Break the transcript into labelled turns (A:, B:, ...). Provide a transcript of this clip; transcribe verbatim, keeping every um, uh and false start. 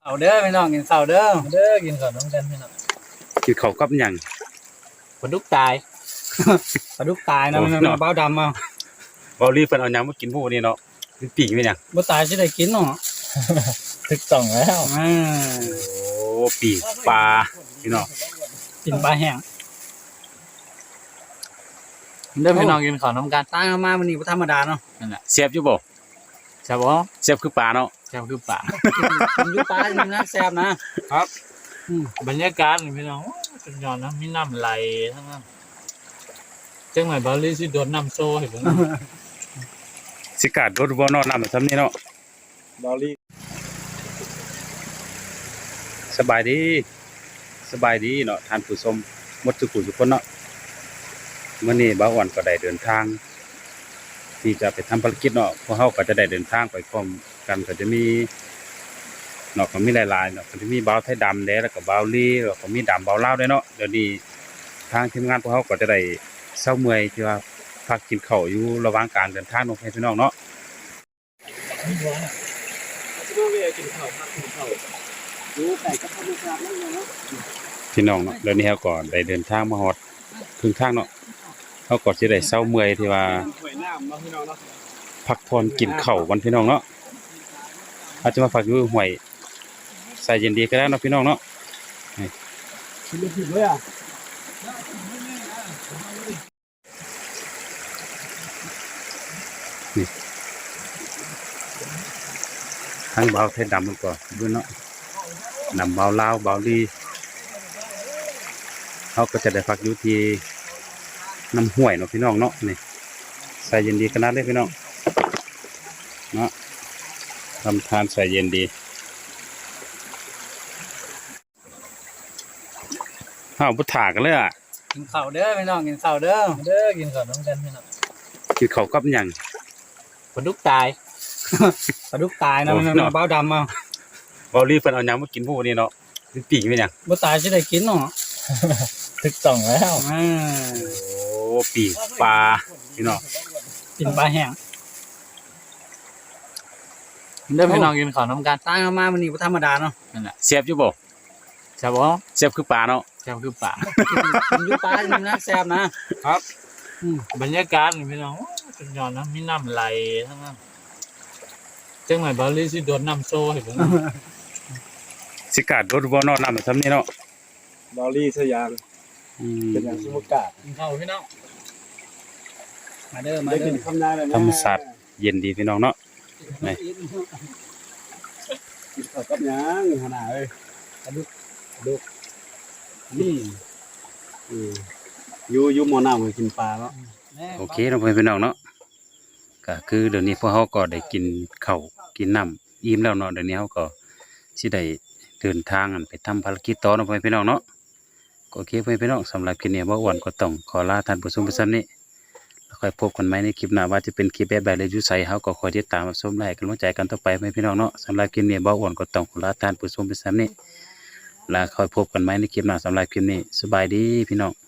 A: เอาเด้อพี่น้องกินข้าวเด้อเด้อกินข้าวน้ำกันพี่น้อง
B: กินข้าวกับหยัง
A: ปลาดุกตายปลาดุกตายนะมันเบ้าดำเอา
B: เบาลีเพิ่นเอาหยังมากินพวกนี้เนาะเป็นปีกเป็นหยัง
A: บ่ตายสิได้กินเนาะถึกต้องแล้ว
B: อ่าโอ้ปีกปลาพี่น้อง
A: กินปลาแห้งเด้อพี่น้องกินข้าวน้ำกันตั้งมามื้อนี้บ่ธรรมดาเนาะนั่นแหละ
B: เสียบอยู่บ่
A: แซ่บบ่
B: เสียบคือปลาเนาะ
A: แซ่บคือปลากินอยู่ปลานี่นะแซ่บนะครับ
C: บรรยากาศพี่น้องสุดยอดนะมีน้ำไหลทั้งนั้นจังไหนบาลีสิโดนน้ำโซ่เห็นบ่
B: สิกาดรถบ่นอนน้ำซ้ำนี่เนาะ
C: บาลี
B: สบายดีสบายดีเนาะท่านผู้ชมหมดทุกผู้ทุกคนเนาะมื้อนี้บ่าวอ่อนก็ได้เดินทางที่จะไปทำภารกิจเนาะพวกเฮาก็จะได้เดินทางไปพร้อมกันก็จะมีเนาะก็มีหลายๆเนาะก็จะมีบ่าวไทยดำแดแล้วก็บ่าวลีแล้วก็มีดำบ่าวลาวด้วยเนาะเดี๋ยวนี้ทางทีมงานพวกเฮาก็จะได้เช้าเมื่อยที่ว่าพักกินข้าวอยู่ระหว่างการเดินทางเนาะพี่น้องเนาะพี่น้องเนาะเดี๋ยวนี้เฮาก็ได้เดินทางมาฮอดครึ่งทางเนาะเฮาก็สิได้เช้าเมื่อยที่ว่าพักผ่อนกินข้าววันพี่น้องเนาะอาจจะมาฝากอยู่ห้วยใส่เย็นดีก็ได้เนาะพี่น้องเนาะนี่ทั้งเบาไทยดำมันก็ด้วยเนาะนำเบาลาวเบาลีเขาก็จะได้พักอยู่ที่น้ำห้วยเนาะพี่น้องเนาะนี่ใส่เย็นดีขนาดเลยพี่น้องเนาะทำทานใส่เย็นดีข้าวพุทธากันเลยอ่ะ
A: กินข้าวเด้อพี่น้องกินข้าวเด้อเด้อกินข้าวน้ำกันพี่น้อง
B: กินข้าวกับหยัง
A: ปลาดุกตายปลาดุกตายนะมันเบ้าดำเอา
B: เบาลีเพิ่นเอาหยังมากินพวกนี้เนาะเป็นปีกเป็นหยัง
A: บ่ตายสิได้กินเนาะ
C: ถึกต้องแล้ว
A: อ่า
B: โอ้ปีกปลาพี่น้อง
A: กินปลาแห้งเด้อพี่น้องกินข้าวน้ำกันตั้งมามื้อนี้บ่ธรรมดาเนาะนั่นแหละ
B: เสียบอยู่บ่
A: แซ่บบ่
B: เสียบคือปลาเนาะ
A: แซ่บคือปลากินอยู่ปลานี่นะแซ่บนะครับ
C: บรรยากาศพี่น้องสุดยอดนะมีน้ำไหลทั้งนั้นจังไหนบาลีสิโดนน้ำโซ่เห็นบ่
B: สิกาดรถบ่นอนน้ำซ้ำนี่เนาะ
C: บาลีสยามเป็นอย่างสมุกากินข้าวพี่น้อง
A: มาเด้อมาเด้อ
B: ธรรมศาสตร์เย็นดีพี่น้องเนาะนี่
C: กินข้าวกับหยังขนาดเอ้ยดุกดุกนี่อยู่อยู่หม้อน้ำกินปลาเนาะ
B: โอเคน้องพี่น้องเนาะก็คือเดี๋ยวนี้พวกเขาก็ได้กินข้าวกินน้ำอิ่มแล้วเนาะเดี๋ยวนี้เขาก็สิได้เดินทางไปทำภารกิจต่อน้องพี่น้องเนาะโอเคพี่น้องสำหรับคลิปนี้บ่าวอ้วนก็ต้องขอลาท่านผู้ชมไปซ้ำนี้แล้วค่อยพบกันใหม่ในคลิปหน้าว่าจะเป็นคลิปแบบใดเลยอยู่ไสเขาก็คอยติดตามรับชมและให้กำลังใจกันต่อไปพี่น้องเนาะสำหรับคลิปนี้บ่าวอ้วนก็ต้องขอลาท่านผู้ชมไปซ้ำนี้แล้วค่อยพบกันใหม่ในคลิปหน้าสำหรับคลิปนี้สบายดีพี่น้อง